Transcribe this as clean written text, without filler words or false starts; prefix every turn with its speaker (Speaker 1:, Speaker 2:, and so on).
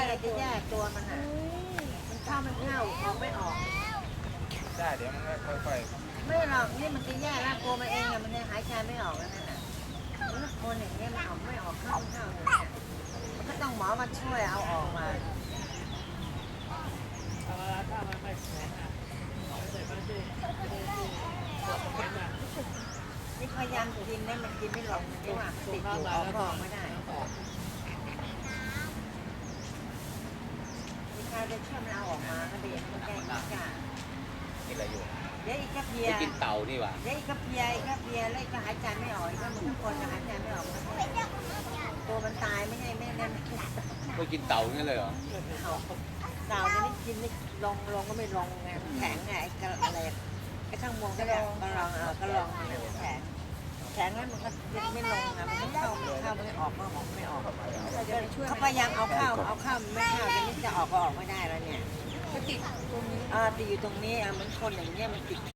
Speaker 1: เราจะแยกตัวมันอ่ะมันเข้าออกไม่ออก
Speaker 2: ได้เดี๋ยวมันก็ค่อย
Speaker 1: ไม่หรอกนี่มันจะแยกแล้วตัวมันเองอะมันยังหายใจไม่ออกแล้วนั่นน่ะมันคนอย่างเงี้ยมันออกไม่ออกเข้าเลยมันก็ต้องหมอมาช่วยเอาออกมา
Speaker 3: ถ้ามันไม่แข็งอ่ะเดี๋ยวมันจะ
Speaker 1: นี่พยายามกินได้มันกินไม่ลงนี่ว่าติดอยู่ออกไม่ได้มีใครจะช่วยมันเอาออกมาก็ดีมันแก้ไม่กล้า
Speaker 2: กินอะไรอยู่
Speaker 1: เดี๋ยวอีกกระเพีย
Speaker 2: กินเต่านี่หว่า
Speaker 1: เดี๋ยวอีกกระเพียแล้วก็หายใจไม่ออกก็เหมือนทุกคนหายใจไม่ออกตัวมันตายไม่ใช่ไม่นั่น
Speaker 2: ก็กินเต่างั้นเลยเหรอ
Speaker 1: เต่าจะไม่กินไม่ลงก็ไม่ลงไงแข็งไงอะไรไอ้ข้างบนก็ลองแข็งแล้วมันก็ไม่ลงอ่ะมันก็เข้าไม่ออกไม่ออกเขาพยายามเอาเข้าไม่เข้าจะไม่จะออกก็ออกไม่ได้แล้วเนี่ยก็ติดตรงนี้ติดอยู่ตรงนี้เหมือนคนอย่างเงี้ยมันติด